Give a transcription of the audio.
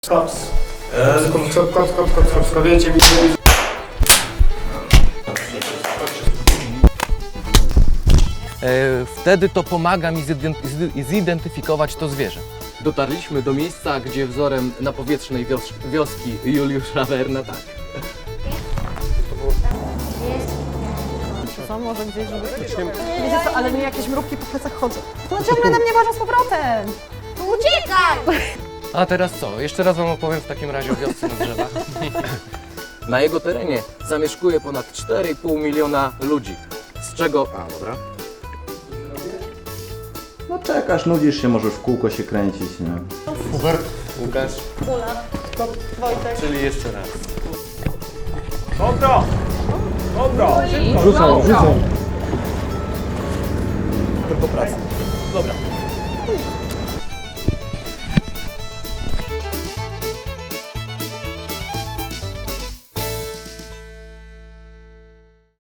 Kops. Kops, wiecie mi. Wtedy to pomaga mi zidentyfikować to zwierzę. Dotarliśmy do miejsca, gdzie wzorem na powietrznej wioski Juliusza Werna, tak. Co, może gdzieś, żeby... Wiecie co, ale mi jakieś mrówki po plecach chodzą. No ciągle na mnie można z powrotem. Uciekaj! A teraz co? Jeszcze raz wam opowiem w takim razie o wiosce na drzewach. Na jego terenie zamieszkuje ponad 4,5 miliona ludzi, z czego... A, dobra. No czekasz, nudzisz się, możesz w kółko się kręcić, nie? Hubert. Łukasz. Wojtek. Czyli jeszcze raz. Dobro! Dobro! Rzucam. Tylko praca. Dobra.